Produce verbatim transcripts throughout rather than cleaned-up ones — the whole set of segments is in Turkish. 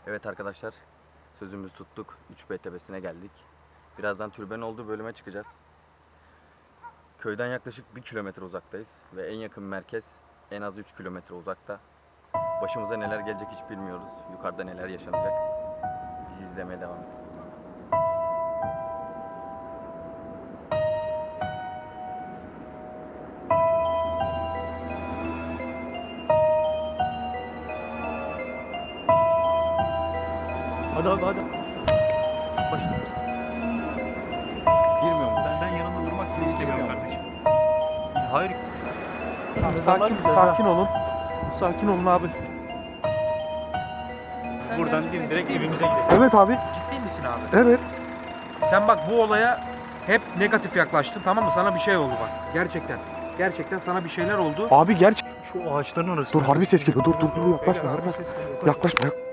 Evet arkadaşlar, sözümüzü tuttuk. üç B tepesine geldik. Birazdan türbenin olduğu bölüme çıkacağız. Köyden yaklaşık bir kilometre uzaktayız ve en yakın merkez en az üç kilometre uzakta. Başımıza neler gelecek hiç bilmiyoruz. Yukarıda neler yaşanacak. Bizi izlemeye devam edin. Hadi abi hadi. Başla. Bilmiyorum. Ben, ben yanında durmak bile istemiyorum kardeşim. Hayır. Tamam, İnsanlar sakin, güzel, sakin ha. olun. Sakin olun abi. Buradan değil, direkt evimize gidelim. Evet abi. Ciddi misin abi? Evet. Sen bak bu olaya hep negatif yaklaştın, tamam mı? Sana bir şey oldu bak. Gerçekten. Gerçekten sana bir şeyler oldu. Abi gerçek. Şu ağaçların orası. Dur harbi ses geliyor. Dur dur dur yaklaşma. Beyler, Yaklaşma. ses geliyor. Yaklaşma. yak-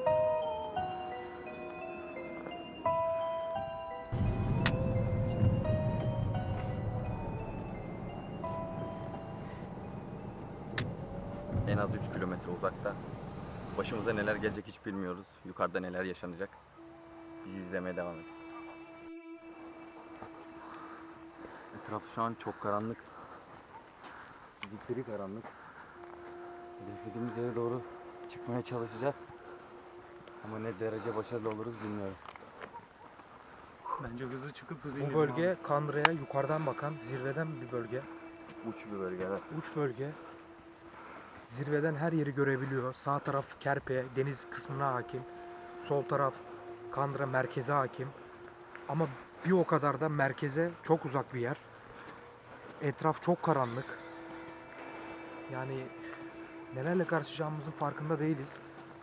En az üç kilometre uzakta. Başımıza neler gelecek hiç bilmiyoruz. Yukarıda neler yaşanacak. Bizi izlemeye devam edin. Etraf şu an çok karanlık. Zifiri karanlık. Hedeflediğimiz yere doğru çıkmaya çalışacağız. Ama ne derece başarılı oluruz bilmiyorum. Bence hızlı çıkıp hızlı Bu inelim bölge abi. Kandıra'ya yukarıdan bakan zirveden bir bölge. Uç bir bölge, evet. Uç bölge. Zirveden her yeri görebiliyor. Sağ taraf Kerpe, deniz kısmına hakim. Sol taraf Kandıra merkeze hakim. Ama bir o kadar da merkeze çok uzak bir yer. Etraf çok karanlık. Yani nelerle karşılaşacağımızın farkında değiliz.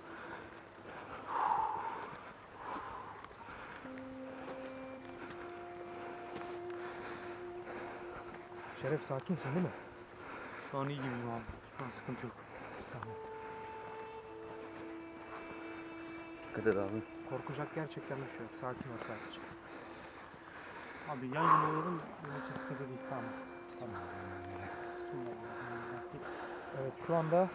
Şeref sakinsin değil mi? Şu an iyi gibiyim abi. Şu an sıkıntı yok. Tamam. Dikkat et abi. Korkacak gerçekten bir şey yok. Sakin ol sadece. Abi yan yana olalım. Böyle sıkıntı değil. Tamam. Tamam. Evet şu anda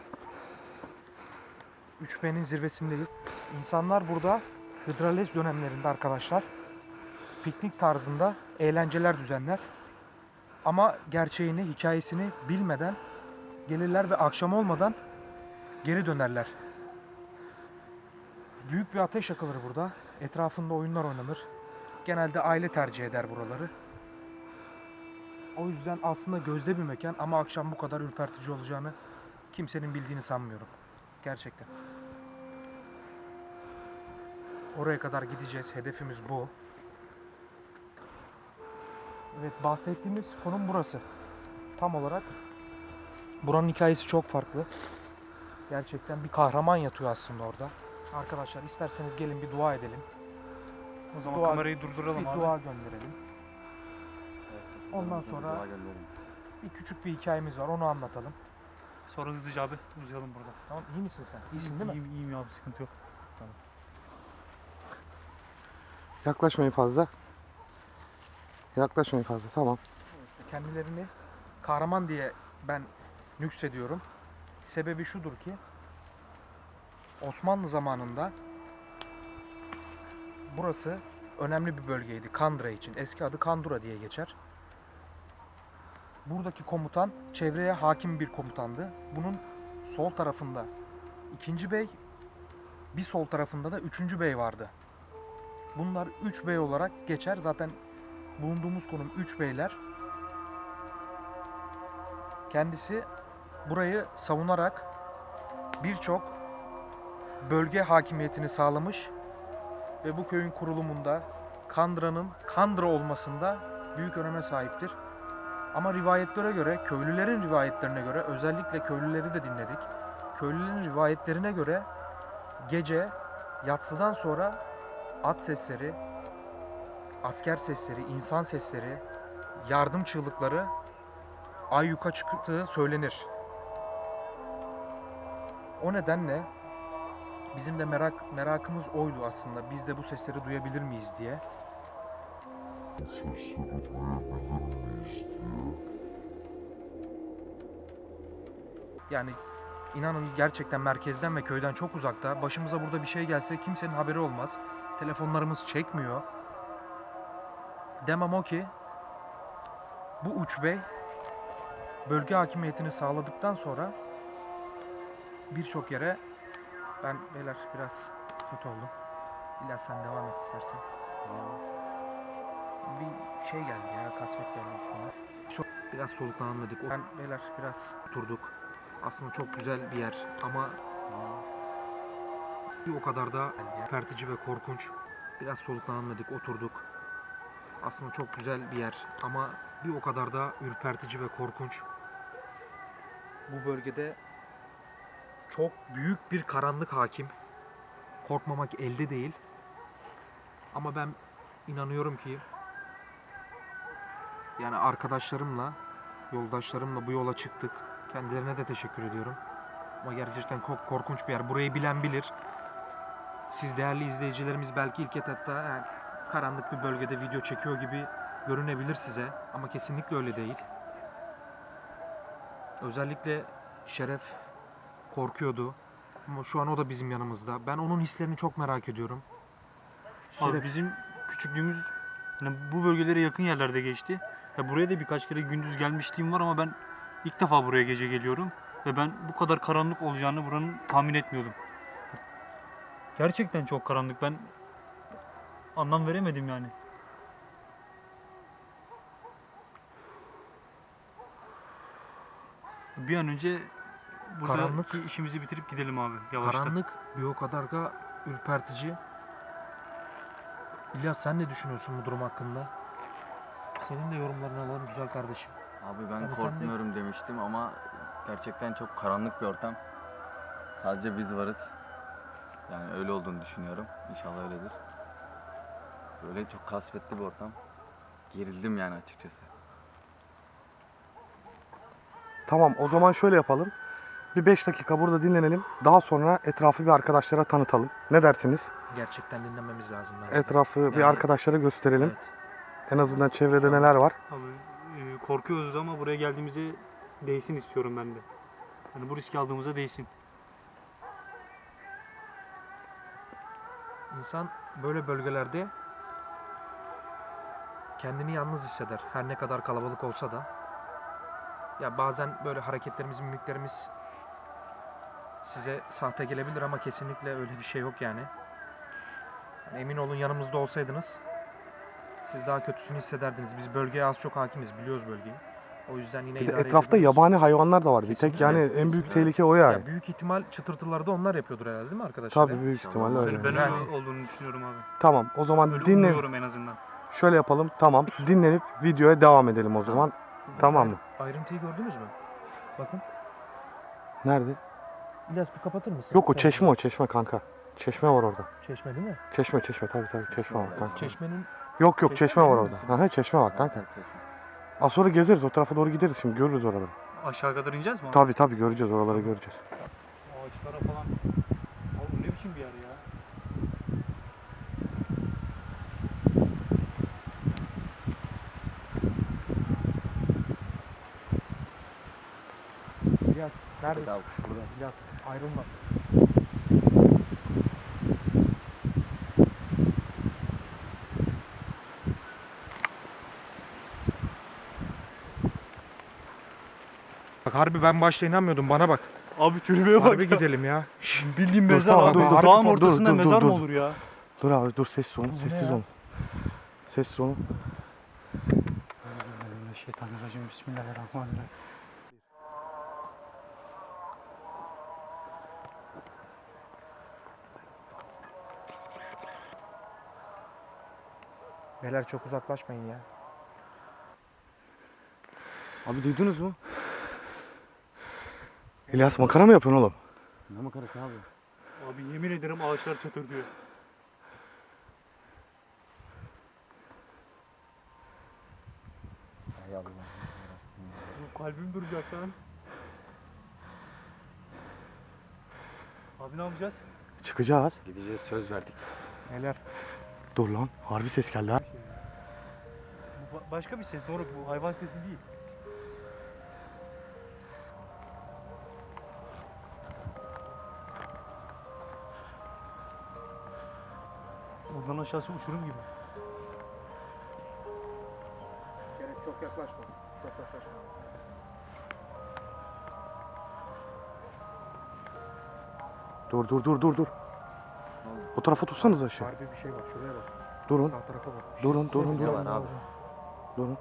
üç B'nin zirvesindeyiz. İnsanlar burada Hıdralez dönemlerinde arkadaşlar piknik tarzında eğlenceler düzenler. Ama gerçeğini, hikayesini bilmeden gelirler ve akşam olmadan geri dönerler. Büyük bir ateş yakılır burada. Etrafında oyunlar oynanır. Genelde aile tercih eder buraları. O yüzden aslında gözde bir mekan ama akşam bu kadar ürpertici olacağını kimsenin bildiğini sanmıyorum. Gerçekten. Oraya kadar gideceğiz. Hedefimiz bu. Evet, bahsettiğimiz konum burası. Tam olarak buranın hikayesi çok farklı. Gerçekten bir kahraman yatıyor aslında orada. Arkadaşlar isterseniz gelin bir dua edelim. O zaman Dua- kamerayı durduralım Bir abi. dua gönderelim. Ondan Bir sonra- dua gönderelim. Bir küçük bir hikayemiz var. Onu anlatalım. Sonra hızlıca abi uzayalım burada. Tamam, iyi misin sen? İyisin değil mi? İyiyim, iyiyim abi, sıkıntı yok. Yaklaşmayın fazla. Yaklaşmayın fazla. Tamam. Kendilerini kahraman diye ben nüksediyorum. Sebebi şudur ki Osmanlı zamanında burası önemli bir bölgeydi Kandıra için. Eski adı Kandura diye geçer. Buradaki komutan çevreye hakim bir komutandı. Bunun sol tarafında ikinci bey, bir sol tarafında da üçüncü bey vardı. Bunlar üç bey olarak geçer. Zaten bulunduğumuz konum üç beyler. Kendisi burayı savunarak birçok bölge hakimiyetini sağlamış ve bu köyün kurulumunda Kandıra'nın Kandıra olmasında büyük öneme sahiptir. Ama rivayetlere göre, köylülerin rivayetlerine göre, özellikle köylüleri de dinledik. Köylülerin rivayetlerine göre gece yatsıdan sonra at sesleri, asker sesleri, insan sesleri, yardım çığlıkları ayyuka çıktığı söylenir. O nedenle bizim de merak merakımız oydu aslında. Biz de bu sesleri duyabilir miyiz diye. Yani İnanın gerçekten merkezden ve köyden çok uzakta. Başımıza burada bir şey gelse kimsenin haberi olmaz. Telefonlarımız çekmiyor. Demem o ki bu Uç Bey bölge hakimiyetini sağladıktan sonra birçok yere ben beyler biraz kötü oldum. İlyas sen devam et istersen. Bir şey geldi ya, kasvet geldi üstüne. Çok biraz soluklanalım dedik. Ben beyler biraz oturduk. Aslında çok güzel bir yer ama bir o kadar da ürpertici ve korkunç. Biraz soluklanalım dedik, oturduk. Aslında çok güzel bir yer ama bir o kadar da ürpertici ve korkunç. Bu bölgede çok büyük bir karanlık hakim. Korkmamak elde değil. Ama ben inanıyorum ki yani arkadaşlarımla, yoldaşlarımla bu yola çıktık. Kendilerine de teşekkür ediyorum. Ama gerçekten çok korkunç bir yer. Burayı bilen bilir. Siz değerli izleyicilerimiz belki ilk etapta yani karanlık bir bölgede video çekiyor gibi görünebilir size. Ama kesinlikle öyle değil. Özellikle Şeref korkuyordu. Ama şu an o da bizim yanımızda. Ben onun hislerini çok merak ediyorum. Abi Şeref, bizim küçüklüğümüz hani bu bölgelere yakın yerlerde geçti. Ya buraya da birkaç kere gündüz gelmişliğim var ama ben ilk defa buraya gece geliyorum. Ve ben bu kadar karanlık olacağını buranın tahmin etmiyordum. Gerçekten çok karanlık. Ben anlam veremedim yani. Bir an önce buradaki Karanlık- işimizi bitirip gidelim abi yavaştan. karanlık bir o kadar da ürpertici. İlyas sen ne düşünüyorsun bu durum hakkında? Senin de yorumlarını alalım güzel kardeşim. Abi ben Yani sen de- korkmuyorum demiştim ama gerçekten çok karanlık bir ortam. Sadece biz varız. Yani öyle olduğunu düşünüyorum. İnşallah öyledir. Böyle çok kasvetli bir ortam. Gerildim yani açıkçası. Tamam, o zaman şöyle yapalım. Bir beş dakika burada dinlenelim. Daha sonra etrafı bir arkadaşlara tanıtalım. Ne dersiniz? Gerçekten dinlememiz lazım bence. de. Etrafı bir Yani- arkadaşlara gösterelim. Evet. En azından çevrede neler var. Abi e, korkuyoruz ama buraya geldiğimize değsin istiyorum ben de. Yani bu riski aldığımıza değsin. İnsan böyle bölgelerde kendini yalnız hisseder. Her ne kadar kalabalık olsa da. Ya bazen böyle hareketlerimiz, mimiklerimiz size sahte gelebilir ama kesinlikle öyle bir şey yok yani. Yani emin olun yanımızda olsaydınız siz daha kötüsünü hissederdiniz. Biz bölgeye az çok hakimiz, biliyoruz bölgeyi. O yüzden yine Bir de idare etrafta edebiliyoruz. yabani hayvanlar da var. Bir tek Kesinlikle, yani en büyük kesinlikle. tehlike o yani. Ya büyük ihtimal çıtırtıları da onlar yapıyordur herhalde değil mi arkadaşlar? Tabii ya? büyük İnşallah. ihtimalle Ben- öyle. Ben, ben Yani- öyle olduğunu düşünüyorum abi. Tamam, o zaman Öyle dinle. umuyorum en azından. Şöyle yapalım. Tamam. Dinlenip videoya devam edelim o zaman. Tamam mı? Ayrıntıyı gördünüz mü? Bakın. Nerede? İlyas bir kapatır mısın? Yok o Tamam. çeşme o çeşme kanka. Çeşme var orada. Çeşme değil mi? Çeşme çeşme tabii tabii çeşme var kanka. Çeşmenin Yok yok Çeşme çeşme var emin orada. misiniz? Aha çeşme var kanka. Az sonra gezeriz o tarafa doğru gideriz şimdi görürüz oraları. Aşağı kadar ineceğiz mi abi? Tabii tabii göreceğiz oraları göreceğiz. Ağaçlara falan. Abi bu ne biçim bir yer ya? İlyas neredesin? Burada, burada. İlyas ayrılma. Bak harbi ben başta inanmıyordum bana bak. Abi türbeye bak Harbi ya. gidelim ya. Bildiğin Dur, mezar tamam, abi. dur, dur, Dağın dur, ortasında dur, dur, mezar dur, mı dur. olur ya? Dur abi dur sessiz olun Bu ne sessiz ya? olun. Sessiz olun. Şeytanirracim. Bismillahirrahmanirrahim. Beyler çok uzaklaşmayın ya. Abi duydunuz mu? İlyas makara mı yapıyorsun oğlum? Ne makarası abi? Abi yemin ederim ağaçlar çatırdıyor. Hay Allah. Bu kalbim duracak lan. Abi ne yapacağız? Çıkacağız. Gideceğiz söz verdik. Beyler Dur lan harbi ses geldi ha. Bu ba- başka bir ses moruk, bu hayvan sesi değil. Buradan aşağısı uçurum gibi. Gerek çok yaklaşma. Çok yaklaşma. Dur dur dur dur dur. Bu tarafa tutsanız aşağı. Harbi bir şey var. Şuraya bak. Durun. Sağ tarafa bak. Durun durun Ne durun. var abi? Durun.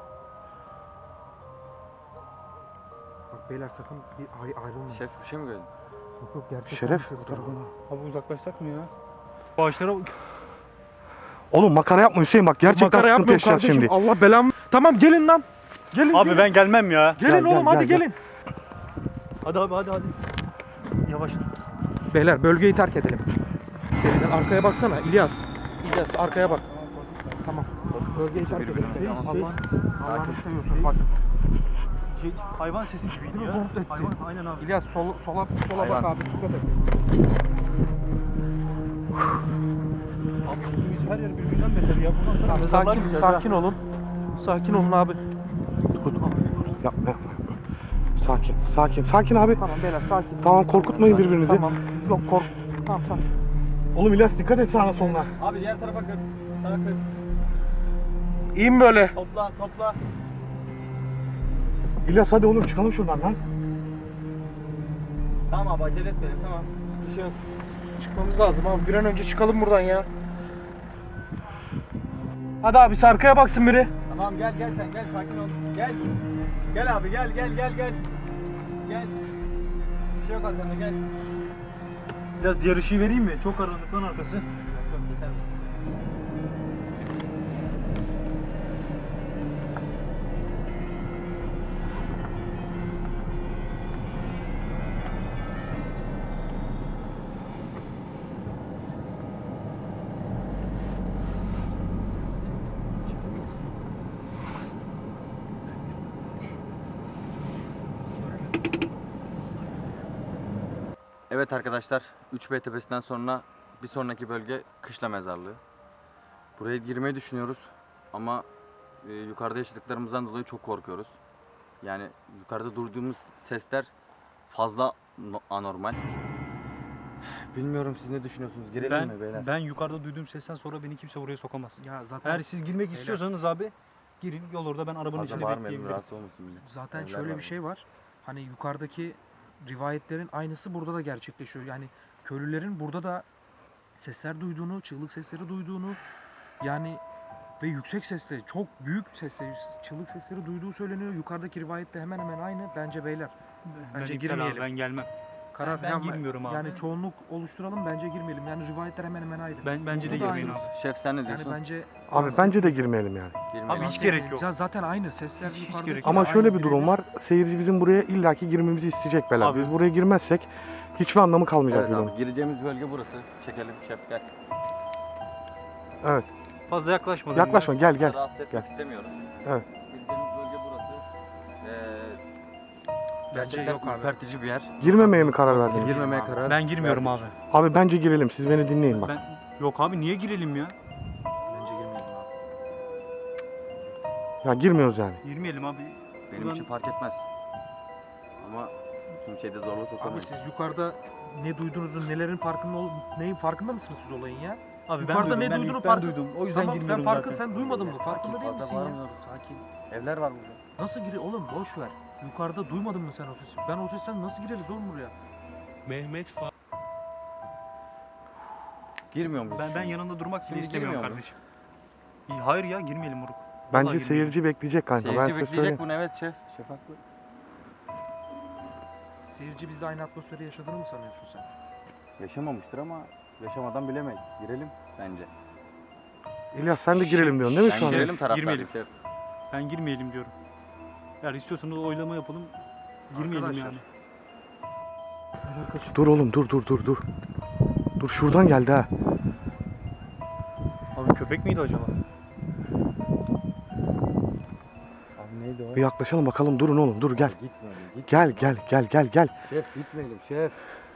Bak beyler sakın bir ay ayrılmayın. Şef bir şey mi gördün? Yok yok gerçek. Şeref bir bu ses tarafa. geliyor. Abi uzaklaşsak mı ya? Bu ağaçlara Oğlum makara yapma Hüseyin bak gerçekten Makara sıkıntı yapmıyorum yaşayacağız kardeşim. şimdi. Allah belamı. Tamam gelin lan. Gelin. Abi gelin. ben gelmem ya. Gelin Gel, gel, oğlum hadi gel, gel. gelin. Hadi abi hadi hadi. Yavaş. Beyler bölgeyi terk edelim. Seriden arkaya baksana İlyas. İlyas arkaya bak. Tamam. Bölgeyi terk edelim. Şey, Allah şey, Allah'ını seviyorsunuz bak. Şey, hayvan sesi gibiydi ya. Bulut etti. Hayvan, aynen abi. İlyas sol, sola sola Hayvan. bak abi dikkat et. Abi biz her yer birbirinden beter ya. Bundan sonra Abi mezarlar sakin gideceğiz sakin ha. olun. Sakin olun abi. Dur, dur. Yapma yapma. Sakin sakin sakin abi. Tamam beyler sakin. Tamam, korkutmayın birbirinizi. Tamam. Yok kork. Tamam tamam. Oğlum İlyas dikkat et sağına soluna. Abi diğer tarafa kır. Sağa kır. İyi mi böyle? Topla topla. İlyas hadi oğlum çıkalım şuradan lan. Tamam abi acele etmeyelim tamam. Bir şey yok. Çıkmamız lazım abi. Bir an önce çıkalım buradan ya. Hadi abi arkaya baksın biri. Tamam gel gel sen gel sakin ol. Gel. Gel abi gel gel gel gel. Gel. Bir şey yok arkanda gel. Biraz diğer ışığı vereyim mi? Çok karanlık lan arkası. Yok yok yeter. Evet arkadaşlar, üç B tepesinden sonra bir sonraki bölge Kışla Mezarlığı. Buraya girmeyi düşünüyoruz ama e, yukarıda yaşadıklarımızdan dolayı çok korkuyoruz. Yani yukarıda duyduğumuz sesler fazla no- anormal. Bilmiyorum siz ne düşünüyorsunuz? Girelim Ben, mi beyler? ben yukarıda duyduğum sesten sonra beni kimse buraya sokamaz. Ya zaten Eğer siz girmek Beyler. istiyorsanız abi girin yol orada ben arabanın Fazla içinde bağırmayalım, bekleyebilirim. rahatsız olmasın millet. zaten Evler şöyle var bir şey var. Hani yukarıdaki rivayetlerin aynısı burada da gerçekleşiyor. Yani köylülerin burada da sesler duyduğunu, çığlık sesleri duyduğunu yani ve yüksek sesle, çok büyük sesle çığlık sesleri duyduğu söyleniyor. Yukarıdaki rivayette hemen hemen aynı. Bence beyler Ben Bence iptal abi, girmeyelim. Ben gelmem. karar ben yapma- girmiyorum abi. Yani çoğunluk oluşturalım bence girmeyelim. Yani rivayetler hemen hemen aynı. Ben bence de Bu da girmeyin aynı. abi. Şef sen ne Yani diyorsun? bence Abi bence de girmeyelim yani. Girmeyelim. Abi hiç gerek yok. Ya zaten aynı sesler Hiç- hiç yukarıdaki gerek yok. Ama aynı şöyle bir birebir. durum var. Seyirci bizim buraya illaki girmemizi isteyecek Bela. Abi. Biz buraya girmezsek hiçbir anlamı kalmayacak Evet videonun. abi, gireceğimiz bölge burası. Çekelim şef gel. Evet. Fazla yaklaşmadım. Yaklaşma gel gel. Rahatsız etmek gel. istemiyoruz. Evet. Gireceğimiz bölge burası. Ee, Bence gerçekten yok abi. ürpertici bir yer. Girmemeye mi karar verdiniz? Girmemeye karar. Ben girmiyorum abi. Abi bence girelim. Siz beni dinleyin bak. Ben yok abi niye girelim ya? Bence girmeyelim abi. Ya girmiyoruz yani. Girmeyelim abi. Benim Ulan- için fark etmez. Ama kimseyi de zorla Abi sokamayız. siz yukarıda ne duyduğunuzun, nelerin farkında ol, neyin farkında mısınız siz olayın ya? Abi Yukarıda ben duydum, ne ben duyduğunu ilk ben farkı- duydum. O yüzden Tamam sen girmiyorum farkın zaten. sen duymadın mı? Farkında değil Fazla misin ya? bağırmıyoruz, sakin. Evler var burada. Nasıl gire oğlum boş ver. Yukarıda duymadın mı sen o sesi? Ben o sesten nasıl gireriz oğlum buraya? Mehmet Fa Girmiyor muyuz? Ben ben şimdi? yanında durmak bile Şimdi istemiyorum girmiyor kardeşim. İyi, hayır ya girmeyelim moruk. Bence girmeyelim. seyirci bekleyecek kanka. ben Seyirci size bekleyecek söyleyeyim. bunu, evet şef. Şef haklı. Seyirci bizde aynı atmosferi yaşadığını mı sanıyorsun sen? Yaşamamıştır ama yaşamadan bilemeyiz. Girelim bence. İlyas sen de girelim diyorsun değil mi Ben şu an? girelim taraftarıyım girmeyelim. şef. Ben girmeyelim diyorum. Eğer istiyorsanız oylama yapalım. Girmeyelim Arkadaşlar. yani. Dur oğlum dur dur dur dur. Dur şuradan geldi ha. Abi köpek miydi acaba? Abi neydi o? Bir yaklaşalım bakalım. Durun oğlum dur gel. Gitmeyelim. Git. Gel gel gel gel gel. Şef gitmeyelim şef.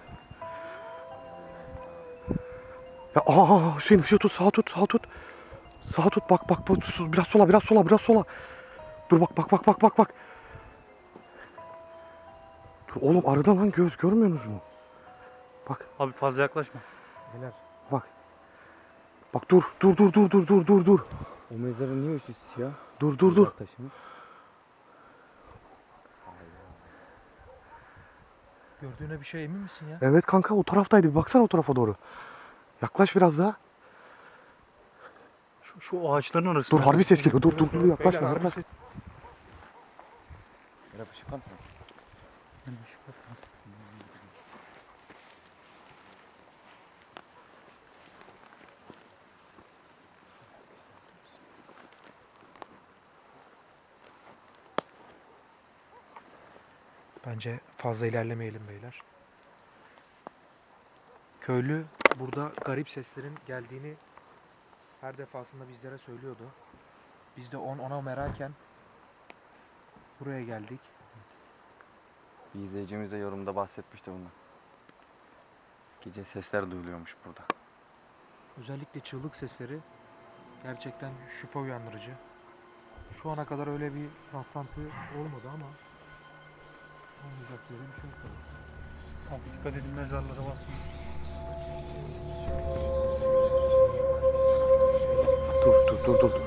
Ya aa Hüseyin ışığı tut, sağa tut, sağa tut. Sağa tut, bak bak bak, su- biraz sola, biraz sola, biraz sola. Dur bak bak bak bak bak bak. Dur oğlum arada lan göz görmüyorsunuz mu? Abi fazla yaklaşma. Beyler Bak. Bak dur dur dur dur dur dur dur dur. O mezarın niye üstü siyah? Dur dur dur. Taşımış. Gördüğüne bir şey emin misin ya? Evet kanka o taraftaydı. Bir baksana o tarafa doğru. Yaklaş biraz daha. Şu, şu ağaçların arasında. Dur harbi ses geliyor. Dur dur dur yaklaşma. Beyler, yaklaş. harbi Merhaba ışık var mı? Bence fazla ilerlemeyelim beyler. Köylü burada garip seslerin geldiğini her defasında bizlere söylüyordu. Biz de on ona meraken buraya geldik. Bir izleyicimiz de yorumda bahsetmişti bundan. Gece sesler duyuluyormuş burada. Özellikle çığlık sesleri gerçekten şüphe uyandırıcı. Şu ana kadar öyle bir rastlantı olmadı ama olmayacak diye bir şey yok tabii. Abi dikkat edin mezarlara basmayın. Dur dur dur dur. dur.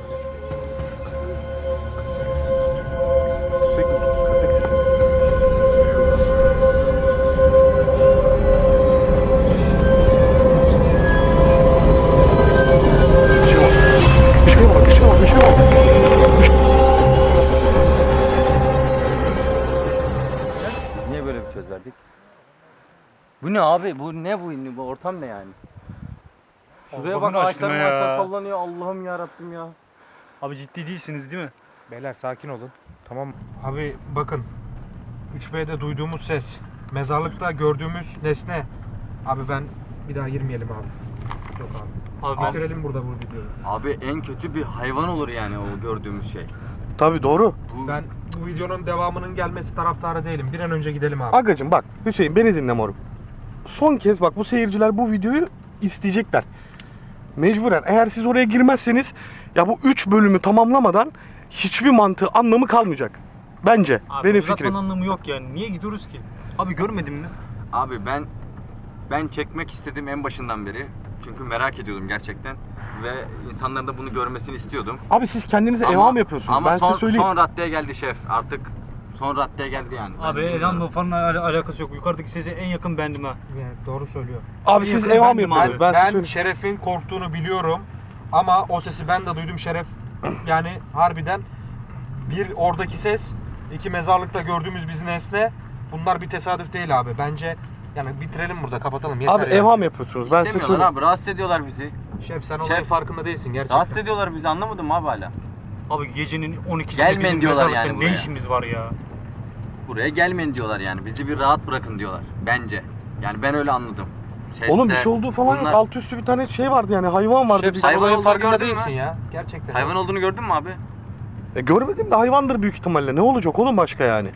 Köpek mi? Köpek sesi mi? Bir şey var. Bir şey var. Bir şey var. Bir şey var. Biz niye böyle bir söz verdik? Bu ne abi? Bu ne bu? Bu ortam ne yani? Şuraya Allah'ın bak aşkına ağaçların ya. arasında sallanıyor. Allah'ım ya Rabbim ya. Abi ciddi değilsiniz değil mi? Beyler sakin olun. Tamam. Abi bakın. üç B'de duyduğumuz ses. Mezarlıkta gördüğümüz nesne. Abi ben bir daha girmeyelim abi. Yok abi. Abi ben- Bitirelim burada bu videoyu. Abi en kötü bir hayvan olur yani o gördüğümüz şey. Tabii doğru. Bu Ben bu videonun devamının gelmesi taraftarı değilim. Bir an önce gidelim abi. Agacım bak Hüseyin beni dinle moruk. Son kez bak bu seyirciler bu videoyu isteyecekler. Mecburen eğer siz oraya girmezseniz ya bu üç bölümü tamamlamadan hiçbir mantığı anlamı kalmayacak. Bence Abi benim uzatmanın fikrim. anlamı yok yani. Niye gidiyoruz ki? Abi görmedin mi? Abi ben ben çekmek istedim en başından beri. Çünkü merak ediyordum gerçekten ve insanların da bunu görmesini istiyordum. Abi siz kendinize Ama- evham yapıyorsunuz. Ama ben son, size söyleyeyim. son raddeye geldi şef. Artık son raddeye geldi yani. Ben Abi bilmiyorum. Elan'la falan al- alakası yok. Yukarıdaki sesi en yakın bendim ha. Yani doğru söylüyor. Abi siz yakın evham bendim yapıyorsunuz. abi. Ben, size Ben söyleyeyim. Şeref'in korktuğunu biliyorum. Ama o sesi ben de duydum Şeref. Yani harbiden bir oradaki ses, iki mezarlıkta gördüğümüz biz nesne. Bunlar bir tesadüf değil abi. Bence yani bitirelim burada, kapatalım. Yeter Abi ya. evham yapıyorsunuz. Ben size İstemiyorlar söyleyeyim. abi. Rahatsız ediyorlar bizi. Şef sen Şef- olayın farkında değilsin gerçekten. Rahatsız ediyorlar bizi. Anlamadım abi hala. Abi gecenin on ikisinde Gelmeyin bizim diyorlar mezarlıkta yani ne buraya. işimiz var ya? Buraya gelmeyin diyorlar yani. Bizi bir rahat bırakın diyorlar. Bence. Yani ben öyle anladım. Seste, Oğlum bir şey olduğu falan bunlar- yok. Alt üstü bir tane şey vardı yani hayvan vardı. Şef Bir- sen Hayvan olayın olduğunu farkında gördün değilsin mü? ya. Gerçekten. Hayvan olduğunu gördün mü abi? E, görmedim de hayvandır büyük ihtimalle. Ne olacak oğlum başka yani?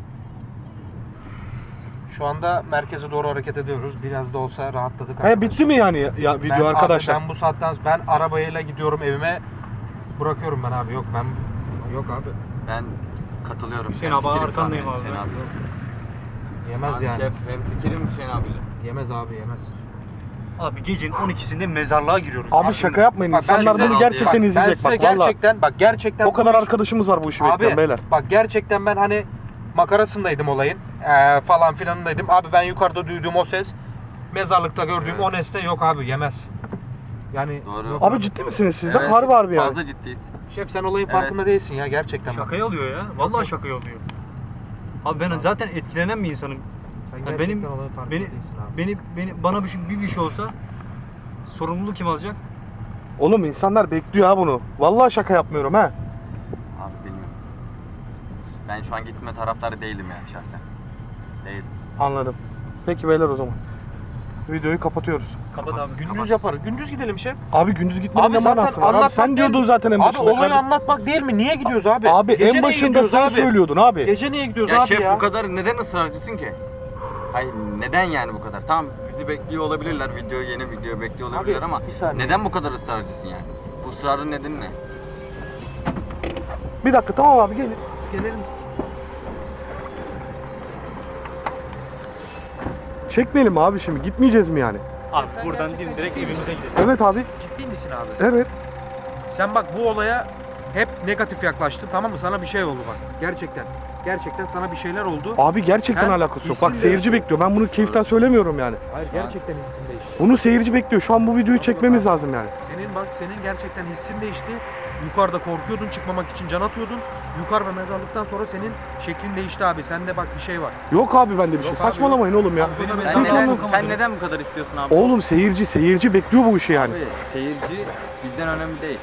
Şu anda merkeze doğru hareket ediyoruz. Biraz da olsa rahatladık. He arkadaşlar. bitti mi yani ya, ya video Ben- arkadaşlar? Abi ben bu saatten ben arabayla gidiyorum evime. Bırakıyorum ben abi. Yok ben yok abi. Ben katılıyorum. Hüseyin Hem abi, fikrim arkandayım şu an abi. Hüseyin abi. Yemez Abi yani. Şef hem fikrim Hüseyin abiyle. Yemez abi yemez. Abi gecenin on ikisinde mezarlığa giriyoruz. Abi şaka yapmayın. Bak ben İnsanlar size- bunu gerçekten Ben izleyecek. Ben size Bak valla. gerçekten bak gerçekten O kadar bu iş- arkadaşımız var bu işi Abi bekleyen beyler. bak gerçekten ben hani makarasındaydım olayın. Ee, falan filanındaydım. Abi ben yukarıda duyduğum o ses, mezarlıkta gördüğüm Evet. o nesne yok abi yemez. Yani Doğru. yok Abi ciddi misiniz siz de? Evet, Harbi harbi yani. Fazla ciddiyiz. Şef sen olayın Evet. farkında değilsin ya gerçekten. bak. Şakaya alıyor ya. Vallahi şakaya alıyor. Abi ben zaten etkilenen bir insanım. Sen Yani gerçekten benim- olayın farkında Beni değilsin abi. beni beni bana bir şey, bir, bir şey olsa sorumluluğu kim alacak? Oğlum insanlar bekliyor ha bunu. Vallahi şaka yapmıyorum ha. Abi bilmiyorum. Ben şu an gitme taraftarı değilim yani şahsen. Değil. Anladım. Peki beyler o zaman. Videoyu kapatıyoruz. Kapat abi. Gündüz yaparız. Gündüz gidelim şef. Abi gündüz gitmenin Abi ne zaten manası var? Abi anlatmak sen değil diyordun mi? zaten en Abi başında. olayı kardeşim. anlatmak değil mi? Niye gidiyoruz abi? Abi Gece en niye başında gidiyoruz sen abi? söylüyordun abi. Gece niye gidiyoruz Ya abi şef ya? bu kadar neden ısrarcısın ki? Hayır neden yani bu kadar? Tamam bizi bekliyor olabilirler. Video yeni video bekliyor olabilirler Abi, ama bir saniye. neden bu kadar ısrarcısın yani? Bu ısrarın nedeni ne? Bir dakika tamam abi gelin. Gelelim. Çekmeyelim mi abi şimdi? Gitmeyeceğiz mi yani? Abi Sen buradan gerçekten dimdirek ciddi evimize misin? gidelim. Evet abi. Ciddi misin abi? Evet. Sen bak bu olaya hep negatif yaklaştın, tamam mı? Sana bir şey oldu bak. Gerçekten. Gerçekten sana bir şeyler oldu. Abi gerçekten Sen alakası yok. hissin Bak seyirci değişti. bekliyor. Ben bunu keyiften söylemiyorum yani. Hayır, gerçekten hissin değişti. Bunu seyirci bekliyor. Şu an bu videoyu çekmemiz lazım yani. Senin bak senin gerçekten hissin değişti. Yukarıda korkuyordun, çıkmamak için can atıyordun. Yukarıda mezarlıktan sonra senin şeklin değişti abi. Sende bak bir şey var. Yok abi bende bir şey. Yok abi, Saçmalamayın oğlum ya. Abi benim Hiç Sen Sen neden, anlamadım. sen neden bu kadar istiyorsun abi? Oğlum seyirci seyirci bekliyor bu işi yani. Abi seyirci bizden önemli değil.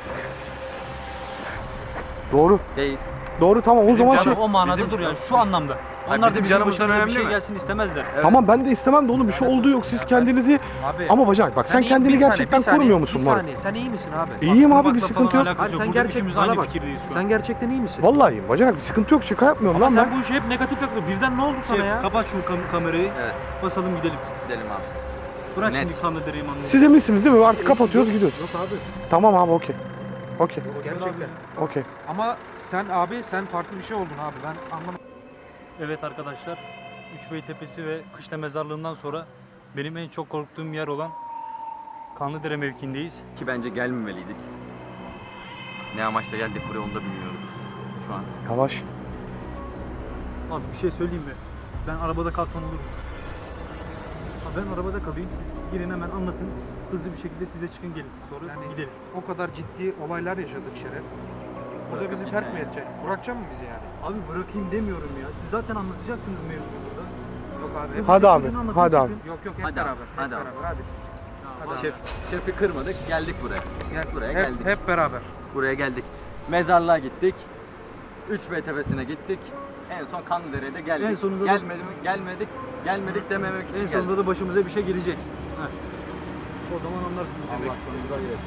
Doğru. Değil. Doğru tamam o Bizim zaman canım çek. o manada Bizim- dur yani şu anlamda. Hayır, Onlar bizim da bizim canımızdan başımıza bir önemli şey mi? gelsin istemezler. Tamam ben de istemem de oğlum bir şey olduğu yok. Siz kendinizi Abi ama bacak bak sen iyi- kendini bir saniye, gerçekten bir saniye, korumuyor musun Bir Murat? saniye. Sen iyi misin abi? İyiyim abi bir Kurmakla sıkıntı falan yok. alakası Abi yok. sen Burada gerçekten üçümüz bana aynı bak. fikirdeyiz şu an. Sen gerçekten iyi misin? Vallahi iyiyim bacak bir sıkıntı yok. Şaka yapmıyorum Ama lan sen ben. bu işi hep negatif yapıyorsun. Birden ne oldu sana Şef, ya? kapat şu kam- kamerayı. Evet. Basalım gidelim. Gidelim abi. Bırak Net. şimdi kanlı dereyi manlı. Siz eminsiniz değil mi? Artık kapatıyoruz gidiyoruz. Yok abi. Tamam abi okey. Okey. Gerçekten. Okey. Ama sen abi sen farklı bir şey oldun abi. Ben anlamadım. Evet arkadaşlar. Üçbey Tepesi ve Kışla Mezarlığı'ndan sonra benim en çok korktuğum yer olan Kanlıdere mevkiindeyiz. Ki bence gelmemeliydik. Ne amaçla geldik buraya onu da bilmiyoruz şu an. Yavaş. Abi bir şey söyleyeyim mi? Ben arabada kalsam olur mu? Abi ben arabada kalayım. Siz girin hemen anlatın. Hızlı bir şekilde siz de çıkın gelin. Sonra Yani gidelim. o kadar ciddi olaylar yaşadık Şeref. Burada Bırakıp bizi terk gideceksin mi yani. edecek? Bırakacak mı bizi yani? Abi bırakayım demiyorum ya. Siz zaten anlatacaksınız mevzuyu burada. Yok abi. hep- Hadi abi. Birini anlatın, Hadi abi. çıkın. Yok yok hep Hadi abi, beraber. Hep hadi abi. beraber hadi. Hadi Şef, şefi kırmadık geldik buraya. Gel. Buraya hep, geldik. hep beraber. Buraya geldik. Mezarlığa gittik. Üçbey Tepesi'ne gittik. En son Kanlıdere'ye de geldik. En sonunda da- Gelmedi mi? Gelmedik. Gelmedik dememek için En geldik. sonunda da başımıza bir şey gelecek. Heh. O zaman anlarsınız. Allah demek. sonumuza girelim.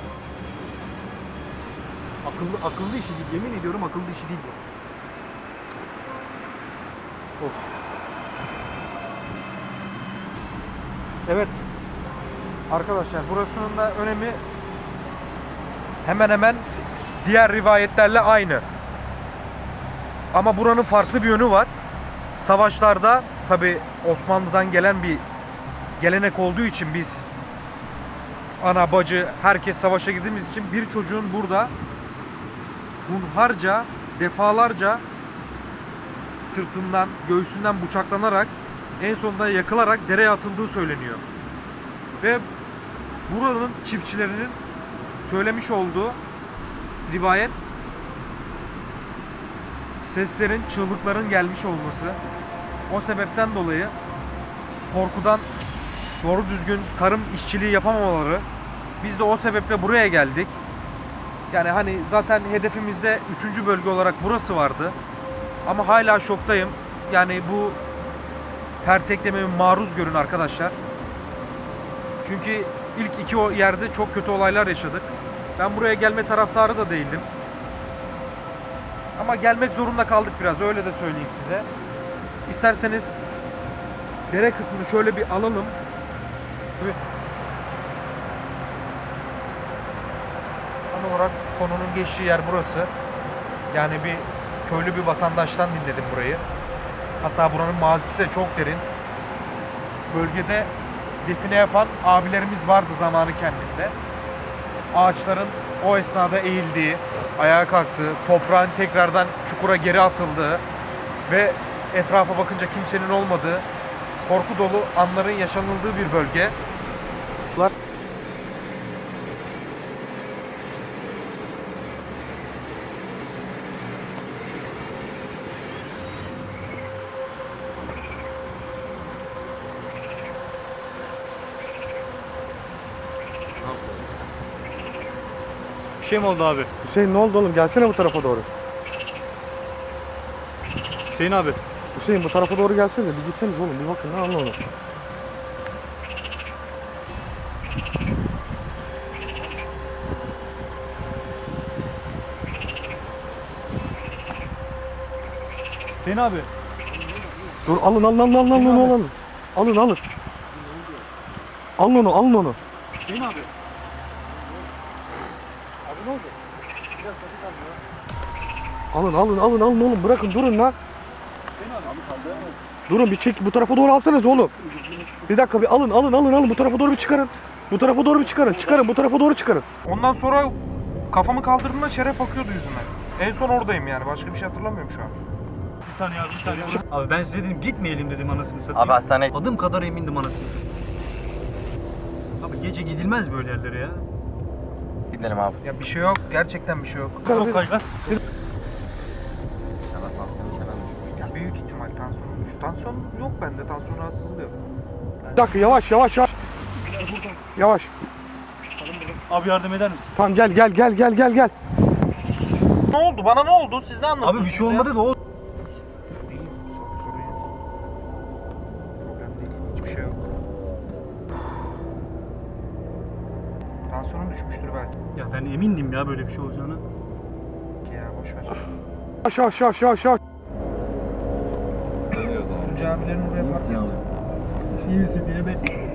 Akıllı, akıllı işi değil. Yemin ediyorum akıllı işi değil bu. Evet. Arkadaşlar burasının da önemi hemen hemen diğer rivayetlerle aynı. Ama buranın farklı bir yönü var. Savaşlarda tabi Osmanlı'dan gelen bir gelenek olduğu için biz ana bacı herkes savaşa girdiğimiz için bir çocuğun burada hunharca defalarca sırtından göğsünden bıçaklanarak en sonunda yakılarak dereye atıldığı söyleniyor. Ve buranın çiftçilerinin söylemiş olduğu rivayet seslerin, çığlıkların gelmiş olması. O sebepten dolayı korkudan doğru düzgün tarım işçiliği yapamamaları. Biz de o sebeple buraya geldik. Yani hani zaten hedefimizde üçüncü bölge olarak burası vardı. Ama hala şoktayım. Yani bu perteklemeye maruz görün arkadaşlar. Çünkü ilk iki o yerde çok kötü olaylar yaşadık. Ben buraya gelme taraftarı da değildim. Ama gelmek zorunda kaldık biraz, öyle de söyleyeyim size. İsterseniz dere kısmını şöyle bir alalım. Tam olarak konunun geçtiği yer burası. Yani bir köylü bir vatandaştan dinledim burayı. Hatta buranın mazisi de çok derin. Bölgede define yapan abilerimiz vardı zamanı kendinde. Ağaçların o esnada eğildiği, ayağa kalktığı, toprağın tekrardan çukura geri atıldığı ve etrafa bakınca kimsenin olmadığı, korku dolu anların yaşanıldığı bir bölge. Bir şey mi oldu abi? Hüseyin ne oldu oğlum? Gelsene bu tarafa doğru. Hüseyin abi. Hüseyin bu tarafa doğru gelsene. Bir gitseniz oğlum. Bir bakın ne anla onu. Hüseyin abi. Dur alın alın alın alın alın onu alın. Alın alın. Alın onu alın onu. Hüseyin abi. Alın alın alın alın oğlum. Bırakın durun lan. Durun bir çek bu tarafa doğru alsanız oğlum. Bir dakika bir alın alın alın alın bu tarafa doğru bir çıkarın. Bu tarafa doğru bir çıkarın. Çıkarın bu tarafa doğru çıkarın. Ondan sonra kafamı kaldırdığımda şeref bakıyordu yüzüme. En son oradayım yani. Başka bir şey hatırlamıyorum şu an. Bir saniye abi, bir saniye. Abi ben size dedim gitmeyelim dedim anasını satayım. Abi hastane Adım kadar emindim anasını satayım. Abi gece gidilmez böyle yerlere ya. gidelim abi. Ya bir şey yok. Gerçekten bir şey yok. Çok kaygan. Sana tansiyonu falan düşmüş. Ya büyük ihtimal tansiyon olmuş. Tansiyon yok bende. Tansiyon rahatsızlığı yok. Bir dakika yavaş yavaş yavaş. Yavaş. Abi yardım eder misin? Tamam gel gel gel gel gel gel. Ne oldu? Bana ne oldu? Siz ne anlattınız? Abi bir şey olmadı da o. İyiyim. Sorun yok. Problem değil. Hiçbir şey yok. Tansiyonum düşmüştür belki. Ya ben emindim ya böyle bir şey olacağını. Ya boş ver. Yavaş yavaş yavaş yavaş yavaş. Tunca abilerin oraya park yaptı. İyi misin diye ben.